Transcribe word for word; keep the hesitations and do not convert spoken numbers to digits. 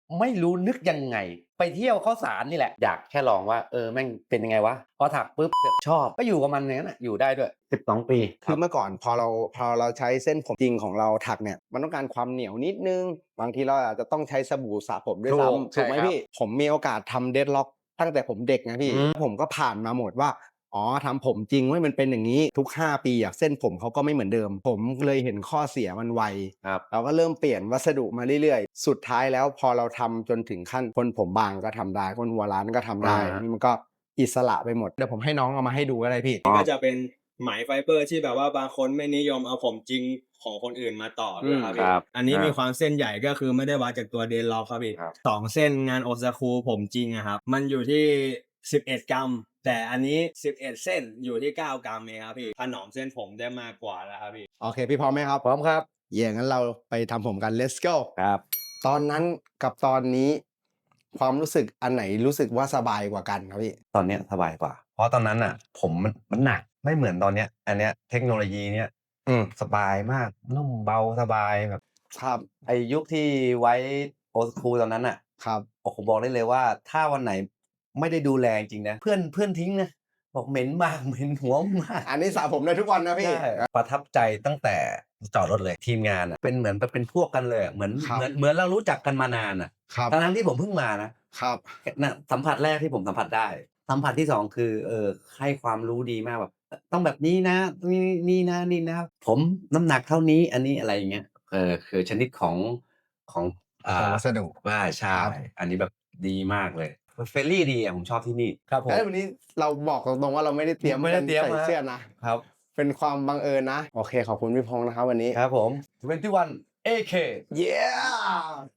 ไม่รู้นึกยังไงไปเที่ยวข้าวสารนี่แหละอยากแค่ลองว่าเออแม่งเป็นยังไงวะพอถักปุ๊บเสือกชอบก็อยู่กับมันอย่างนั้นน่ะอยู่ได้ด้วยสิบสองปีคือเมื่อก่อนพอเราพอเราใช้เส้นผมจริงของเราถักเนี่ยมันต้องการความเหนียวนิดนึงบางทีเราอาจจะต้องใช้สบู่สระผมด้วยซ้ำถูกไหมพี่ผมมีโอกาสทำเดดล็อกตั้งแต่ผมเด็กนะพี่ผมก็ผ่านมาหมดว่าอ๋อทำผมจริงเว้ยมันเป็นอย่างนี้ทุกห้าปีอะเส้นผมเขาก็ไม่เหมือนเดิมผมเลยเห็นข้อเสียมันไวเราก็เริ่มเปลี่ยนวัสดุมาเรื่อยๆสุดท้ายแล้วพอเราทำจนถึงขั้นคนผมบางก็ทำได้คนหัวล้านก็ทำได้มันก็อิสระไปหมดเดี๋ยวผมให้น้องเอามาให้ดูก็ได้พี่ก็จะเป็นไหมไฟเบอร์ที่แบบว่าบางคนไม่นิยมเอาผมจริงของคนอื่นมาต่อด้วยครับพี่อันนี้มีความเส้นใหญ่ก็คือไม่ได้วัดจากตัวเดนล็อกครับพี่สองเส้นงานโอซากุผมจริงอะครับมันอยู่ที่สิบเอ็ดกรัมแต่อันนี้สิบเอ็ดเส้นอยู่ที่เก้ากรัมเองครับพี่ถนอมเส้นผมได้มากกว่าแล้วครับพี่โอเคพี่พร้อมไหมครับพร้อมครับเย่งั้นเราไปทำผมกัน let's go ครับตอนนั้นกับตอนนี้ความรู้สึกอันไหนรู้สึกว่าสบายกว่ากันครับพี่ตอนเนี้ยสบายกว่าเพราะตอนนั้นน่ะผมมันมันหนักไม่เหมือนตอนเนี้ยอันเนี้ยเทคโนโลยีเนี้ยอืมสบายมากนุ่มเบาสบายแบบครับไอ้ยุคที่ไว้โอ school ตอนนั้นน่ะครับโอ้โฮบอกได้เลยว่าถ้าวันไหนไม่ได้ดูแลจริงๆนะเพื่อนเพื่อนทิ้งนะบอกเหม็นมากเหม็นหัวมากอันนี้สระผมได้ทุกวันนะพี่ใช่ประทับใจตั้งแต่จอดรถเลยทีมงานอะเป็นเหมือนแบบเป็นพวกกันเลยอะเหมือนเหมือนเหมือนเรารู้จักกันมานานอะครับทั้งๆที่ผมเพิ่งมานะครับน่ะสัมผัสแรกที่ผมสัมผัสได้สัมผัสที่สองคือเอ่อให้ความรู้ดีมากแบบอต้องแบบนี้นะนี่นี่นะนี่นะผมน้ำหนักเท่านี้อันนี้อะไรอย่างเงี้ยเออคือชนิดของของอ่ของาวัสดุว่าใช่ครับอันนี้แบบดีมากเลย friendly ดีอะผมชอบที่นี่ครับผมเฮ้ยวันนี้เราบอกตรงๆว่าเราไม่ได้เตรียมไม่ได้เตรียมใส่ครับเสื้อนะครับเป็นความบังเอิญนะโอเคขอบคุณพี่พงษ์นะครับวันนี้ครับผมยี่สิบเอ็ด เอ เค yeah